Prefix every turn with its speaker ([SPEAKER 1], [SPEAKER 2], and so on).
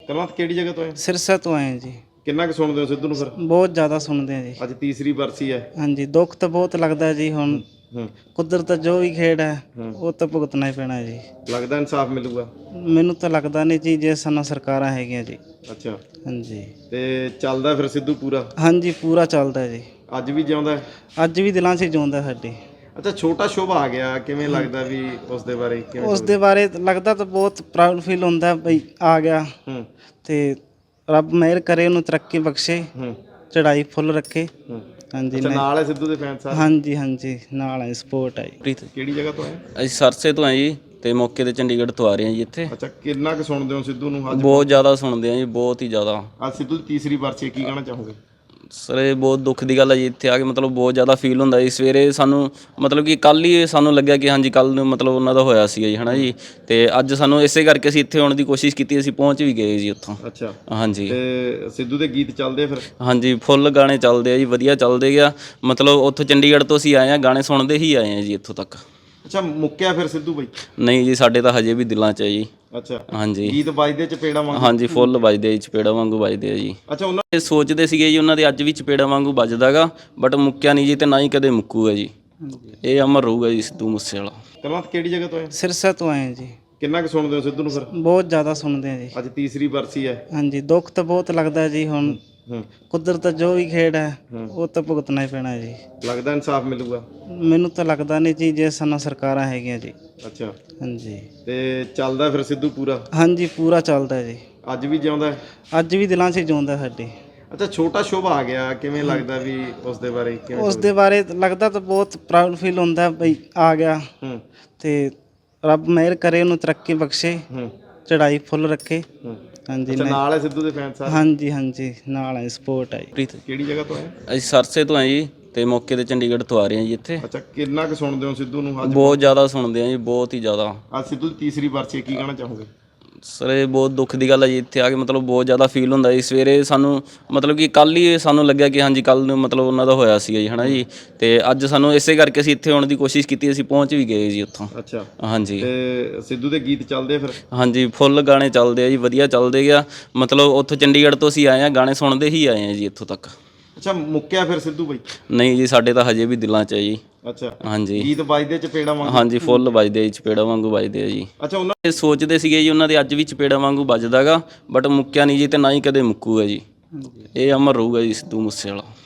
[SPEAKER 1] ਕਲਵੰਤ ਕਿਹੜੀ ਜਗ੍ਹਾ ਤੋਂ ਆਏ?
[SPEAKER 2] ਸਿਰਸਾ ਤੋਂ ਆਏ ਜੀ।
[SPEAKER 1] ਕਿੰਨਾ ਕੁ ਸੁਣਦੇ ਹੋ ਸਿੱਧੂ ਨੂੰ ਫਿਰ?
[SPEAKER 2] ਬਹੁਤ ਜ਼ਿਆਦਾ ਸੁਣਦੇ ਆ ਜੀ।
[SPEAKER 1] ਅੱਜ ਤੀਸਰੀ ਬਰਸੀ ਹੈ।
[SPEAKER 2] ਹਾਂਜੀ, ਦੁੱਖ ਤਾਂ ਬਹੁਤ ਲੱਗਦਾ ਜੀ। ਹੁਣ ਕੁਦਰਤ ਜੋ ਵੀ ਖੇਡ ਹੈ ਉਹ ਤਾਂ ਭੁਗਤਣਾ ਹੀ ਪੈਣਾ ਜੀ।
[SPEAKER 1] ਲੱਗਦਾ ਇਨਸਾਫ ਮਿਲੂਗਾ?
[SPEAKER 2] ਮੈਨੂੰ ਤਾਂ ਲੱਗਦਾ ਨਹੀਂ ਜੀ, ਜੇ ਸਾਨੂੰ ਸਰਕਾਰਾਂ ਹੈਗੀਆਂ ਜੀ।
[SPEAKER 1] ਅੱਛਾ,
[SPEAKER 2] ਹਾਂਜੀ
[SPEAKER 1] ਤੇ ਚੱਲਦਾ ਫਿਰ ਸਿੱਧੂ ਪੂਰਾ?
[SPEAKER 2] ਹਾਂਜੀ, ਪੂਰਾ ਚੱਲਦਾ ਜੀ।
[SPEAKER 1] ਅੱਜ ਵੀ ਜਿਉਂਦਾ ਹੈ?
[SPEAKER 2] ਅੱਜ ਵੀ ਦਿਲਾਂ 'ਚ ਜਿਉਂਦਾ ਸਾਡੇ।
[SPEAKER 1] ਅੱਛਾ, ਛੋਟਾ ਸ਼ੁਭ ਆ ਗਿਆ, ਕਿਵੇਂ ਲੱਗਦਾ ਵੀ ਉਸ ਦੇ ਬਾਰੇ ਕਿਵੇਂ?
[SPEAKER 2] ਉਸ ਦੇ ਬਾਰੇ ਲੱਗਦਾ ਤਾਂ ਬਹੁਤ ਪ੍ਰਾਊਡ ਫੀਲ ਹੁੰਦਾ ਬਈ ਆ ਗਿਆ। ਤੇ ਰੱਬ ਮਿਹਰ ਕਰੇ, ਉਹਨੂੰ ਤਰੱਕੀ ਬਖਸ਼ੇ, ਚੜ੍ਹਾਈ ਫੁੱਲ ਰੱਖੇ। ਹਾਂਜੀ,
[SPEAKER 1] ਅੱਛਾ, ਨਾਲ ਹੈ ਸਿੱਧੂ ਦੇ ਫੈਨ ਸਾਰੇ?
[SPEAKER 2] ਹਾਂਜੀ ਹਾਂਜੀ, ਨਾਲ ਹੈ, ਸਪੋਰਟ ਹੈ ਜੀ।
[SPEAKER 3] ਪ੍ਰੀਤ
[SPEAKER 1] ਕਿਹੜੀ ਜਗ੍ਹਾ ਤੋਂ ਆਏ?
[SPEAKER 3] ਅਸੀਂ ਸਰਸੇ ਤੋਂ ਆਏ ਜੀ, ਤੇ ਮੌਕੇ ਤੇ ਚੰਡੀਗੜ੍ਹ ਤੋਂ ਆ ਰਹੇ ਹਾਂ ਜੀ ਇੱਥੇ।
[SPEAKER 1] ਅੱਛਾ, ਕਿੰਨਾ ਕੁ ਸੁਣਦੇ ਹੋ ਸਿੱਧੂ ਨੂੰ ਅੱਜ?
[SPEAKER 3] ਬਹੁਤ ਜ਼ਿਆਦਾ ਸੁਣਦੇ ਹਾਂ ਜੀ, ਬਹੁਤ ਹੀ ਜ਼ਿਆਦਾ।
[SPEAKER 1] ਅੱਜ ਸਿੱਧੂ ਦੀ ਤੀਸਰੀ ਬਰਸੀ ਹੈ, ਕੀ ਕਹਿਣਾ ਚਾਹੋਗੇ?
[SPEAKER 3] ਸਰ ਇਹ ਬਹੁਤ ਦੁੱਖ ਦੀ ਗੱਲ ਹੈ ਜੀ, ਇੱਥੇ ਆ ਕੇ ਮਤਲਬ ਬਹੁਤ ਜ਼ਿਆਦਾ ਫੀਲ ਹੁੰਦਾ ਜੀ। ਸਵੇਰੇ ਸਾਨੂੰ ਮਤਲਬ ਕਿ ਕੱਲ੍ਹ ਹੀ ਸਾਨੂੰ ਲੱਗਿਆ ਕਿ ਹਾਂਜੀ ਕੱਲ੍ਹ ਨੂੰ ਮਤਲਬ ਉਹਨਾਂ ਦਾ ਹੋਇਆ ਸੀਗਾ ਜੀ, ਹੈ ਨਾ ਜੀ। ਤੇ ਅੱਜ ਸਾਨੂੰ ਇਸੇ ਕਰਕੇ ਅਸੀਂ ਇੱਥੇ ਆਉਣ ਦੀ ਕੋਸ਼ਿਸ਼ ਕੀਤੀ, ਅਸੀਂ ਪਹੁੰਚ ਵੀ ਗਏ ਜੀ ਉੱਥੋਂ।
[SPEAKER 1] ਅੱਛਾ,
[SPEAKER 3] ਹਾਂਜੀ।
[SPEAKER 1] ਤੇ ਸਿੱਧੂ ਦੇ ਗੀਤ ਚੱਲਦੇ ਫਿਰ?
[SPEAKER 3] ਹਾਂਜੀ, ਫੁੱਲ ਗਾਣੇ ਚੱਲਦੇ ਆ ਜੀ, ਵਧੀਆ ਚੱਲਦੇ ਗਿਆ। ਮਤਲਬ ਉੱਥੋਂ ਚੰਡੀਗੜ੍ਹ ਤੋਂ ਅਸੀਂ ਆਏ ਹਾਂ, ਗਾਣੇ ਸੁਣਦੇ ਹੀ ਆਏ ਹਾਂ ਜੀ ਇੱਥੋਂ ਤੱਕ।
[SPEAKER 1] ਅੱਛਾ, ਮੁੱਕਿਆ ਫਿਰ ਸਿੱਧੂ ਬਾਈ?
[SPEAKER 3] ਨਹੀਂ ਜੀ, ਸਾਡੇ ਤਾਂ ਹਜੇ ਵੀ ਦਿਲਾਂ 'ਚ ਹੈ ਜੀ।
[SPEAKER 1] ਅੱਛਾ,
[SPEAKER 3] ਹਾਂਜੀ
[SPEAKER 1] ਗੀਤ ਵੱਜਦੇ ਚਪੇੜਾ ਵਾਂਗੂ?
[SPEAKER 3] ਹਾਂਜੀ, ਫੁੱਲ ਵੱਜਦੇ ਆ ਜੀ, ਚਪੇੜਾ ਵਾਂਗੂ ਵੱਜਦੇ ਆ ਜੀ।
[SPEAKER 1] ਅੱਛਾ, ਉਹਨਾਂ
[SPEAKER 3] ਇਹ ਸੋਚਦੇ ਸੀਗੇ ਜੀ ਉਹਨਾਂ ਦੇ ਅੱਜ ਵੀ ਚਪੇੜਾ ਵਾਂਗੂ ਵੱਜਦਾਗਾ, ਬਟ ਮੁੱਕਿਆ ਨਹੀਂ ਜੀ, ਤੇ ਨਾ ਹੀ ਕਦੇ ਮੁੱਕੂਗਾ ਜੀ। ਇਹ ਅਮਰ ਰਹੂਗਾ ਜੀ ਸਿੱਧੂ ਮੂਸੇਵਾਲਾ।
[SPEAKER 1] ਕਲਵੰਤ ਕਿਹੜੀ ਜਗ੍ਹਾ ਤੋਂ ਆਏ?
[SPEAKER 2] ਸਿਰਸਾ ਤੋਂ ਆਏ ਜੀ।
[SPEAKER 1] ਕਿੰਨਾ ਕੁ ਸੁਣਦੇ ਹੋ ਸਿੱਧੂ ਨੂੰ ਫਿਰ?
[SPEAKER 2] ਬਹੁਤ ਜ਼ਿਆਦਾ ਸੁਣਦੇ ਆ ਜੀ।
[SPEAKER 1] ਅੱਜ ਤੀਸਰੀ ਬਰਸੀ ਹੈ।
[SPEAKER 2] ਹਾਂਜੀ, ਦੁੱਖ ਤਾਂ ਬਹੁਤ ਲੱਗਦਾ ਜੀ। ਹੁਣ ਕੁਦਰਤ ਜੋ ਵੀ ਖੇਡ ਹੈ ਉਹ ਤਾਂ ਭੁਗਤਣਾ ਹੀ ਪੈਣਾ ਜੀ।
[SPEAKER 1] ਲੱਗਦਾ ਇਨਸਾਫ ਮਿਲੂਗਾ?
[SPEAKER 2] ਮੈਨੂੰ ਤਾਂ ਲੱਗਦਾ ਨਹੀਂ ਜੀ, ਜੇ ਸਾਨੂੰ ਸਰਕਾਰਾਂ ਹੈਗੀਆਂ ਜੀ।
[SPEAKER 1] ਅੱਛਾ,
[SPEAKER 2] ਹਾਂਜੀ
[SPEAKER 1] ਤੇ ਚੱਲਦਾ ਫਿਰ ਸਿੱਧੂ ਪੂਰਾ?
[SPEAKER 2] ਹਾਂਜੀ, ਪੂਰਾ ਚੱਲਦਾ ਜੀ।
[SPEAKER 1] ਅੱਜ ਵੀ ਜਿਉਂਦਾ ਹੈ?
[SPEAKER 2] ਅੱਜ ਵੀ ਦਿਲਾਂ 'ਚ ਜਿਉਂਦਾ ਸਾਡੇ।
[SPEAKER 1] ਅੱਛਾ, ਛੋਟਾ ਸ਼ੁਭ ਆ ਗਿਆ, ਕਿਵੇਂ ਲੱਗਦਾ ਵੀ ਉਸ ਦੇ ਬਾਰੇ ਕਿਵੇਂ?
[SPEAKER 2] ਉਸ ਦੇ ਬਾਰੇ ਲੱਗਦਾ ਤਾਂ ਬਹੁਤ ਪ੍ਰਾਊਡ ਫੀਲ ਹੁੰਦਾ ਬਈ ਆ ਗਿਆ। ਤੇ ਰੱਬ ਮਿਹਰ ਕਰੇ, ਉਹਨੂੰ ਤਰੱਕੀ ਬਖਸ਼ੇ, ਚੜ੍ਹਾਈ ਫੁੱਲ ਰੱਖੇ। ਹਾਂਜੀ,
[SPEAKER 1] ਅੱਛਾ, ਨਾਲ ਹੈ ਸਿੱਧੂ ਦੇ ਫੈਨ ਸਾਰੇ?
[SPEAKER 2] ਹਾਂਜੀ ਹਾਂਜੀ, ਨਾਲ ਹੈ, ਸਪੋਰਟ ਹੈ ਜੀ।
[SPEAKER 3] ਪ੍ਰੀਤ
[SPEAKER 1] ਕਿਹੜੀ ਜਗ੍ਹਾ ਤੋਂ ਆਏ?
[SPEAKER 3] ਅਸੀਂ ਸਰਸੇ ਤੋਂ ਆਏ ਜੀ, ਤੇ ਮੌਕੇ ਤੇ ਚੰਡੀਗੜ੍ਹ ਤੋਂ ਆ ਰਹੇ ਹਾਂ ਜੀ ਇੱਥੇ।
[SPEAKER 1] ਅੱਛਾ, ਕਿੰਨਾ ਕੁ ਸੁਣਦੇ ਹੋ ਸਿੱਧੂ ਨੂੰ ਅੱਜ?
[SPEAKER 3] ਬਹੁਤ ਜ਼ਿਆਦਾ ਸੁਣਦੇ ਹਾਂ ਜੀ, ਬਹੁਤ ਹੀ ਜ਼ਿਆਦਾ।
[SPEAKER 1] ਅੱਜ ਸਿੱਧੂ ਦੀ ਤੀਸਰੀ ਬਰਸੀ ਹੈ, ਕੀ ਕਹਿਣਾ ਚਾਹੋਗੇ?
[SPEAKER 3] ਸਰ ਇਹ ਬਹੁਤ ਦੁੱਖ ਦੀ ਗੱਲ ਹੈ ਜੀ, ਇੱਥੇ ਆ ਕੇ ਮਤਲਬ ਬਹੁਤ ਜ਼ਿਆਦਾ ਫੀਲ ਹੁੰਦਾ ਜੀ। ਸਵੇਰੇ ਸਾਨੂੰ ਮਤਲਬ ਕਿ ਕੱਲ੍ਹ ਹੀ ਸਾਨੂੰ ਲੱਗਿਆ ਕਿ ਹਾਂਜੀ ਕੱਲ੍ਹ ਨੂੰ ਮਤਲਬ ਉਹਨਾਂ ਦਾ ਹੋਇਆ ਸੀਗਾ ਜੀ, ਹੈ ਨਾ ਜੀ। ਤੇ ਅੱਜ ਸਾਨੂੰ ਇਸੇ ਕਰਕੇ ਅਸੀਂ ਇੱਥੇ ਆਉਣ ਦੀ ਕੋਸ਼ਿਸ਼ ਕੀਤੀ, ਅਸੀਂ ਪਹੁੰਚ ਵੀ ਗਏ ਜੀ ਉੱਥੋਂ।
[SPEAKER 1] ਅੱਛਾ,
[SPEAKER 3] ਹਾਂਜੀ।
[SPEAKER 1] ਤੇ ਸਿੱਧੂ ਦੇ ਗੀਤ ਚੱਲਦੇ ਫਿਰ?
[SPEAKER 3] ਹਾਂਜੀ, ਫੁੱਲ ਗਾਣੇ ਚੱਲਦੇ ਆ ਜੀ, ਵਧੀਆ ਚੱਲਦੇ ਗਿਆ। ਮਤਲਬ ਉੱਥੋਂ ਚੰਡੀਗੜ੍ਹ ਤੋਂ ਅਸੀਂ ਆਏ ਹਾਂ, ਗਾਣੇ ਸੁਣਦੇ ਹੀ ਆਏ ਹਾਂ ਜੀ ਇੱਥੋਂ ਤੱਕ।
[SPEAKER 1] ਅੱਛਾ, ਮੁੱਕਿਆ ਫਿਰ ਸਿੱਧੂ ਬਾਈ?
[SPEAKER 3] ਨਹੀਂ ਜੀ, ਸਾਡੇ ਤਾਂ ਹਜੇ ਵੀ ਦਿਲਾਂ 'ਚ ਹੈ ਜੀ।
[SPEAKER 1] ਅੱਛਾ,
[SPEAKER 3] ਹਾਂਜੀ
[SPEAKER 1] ਗੀਤ ਵੱਜਦੇ ਚਪੇੜਾ ਵਾਂਗੂ?
[SPEAKER 3] ਹਾਂਜੀ, ਫੁੱਲ ਵੱਜਦੇ ਆ ਜੀ, ਚਪੇੜਾ ਵਾਂਗੂ ਵੱਜਦੇ ਆ ਜੀ।
[SPEAKER 1] ਅੱਛਾ, ਉਹਨਾਂ
[SPEAKER 3] ਇਹ ਸੋਚਦੇ ਸੀਗੇ ਜੀ ਉਹਨਾਂ ਦੇ ਅੱਜ ਵੀ ਚਪੇੜਾ ਵਾਂਗੂ ਵੱਜਦਾਗਾ, ਬਟ ਮੁੱਕਿਆ ਨਹੀਂ ਜੀ, ਤੇ ਨਾ ਹੀ ਕਦੇ ਮੁੱਕੂਗਾ ਜੀ। ਇਹ ਅਮਰ ਰਹੂਗਾ ਜੀ ਸਿੱਧੂ ਮੂਸੇਵਾਲਾ।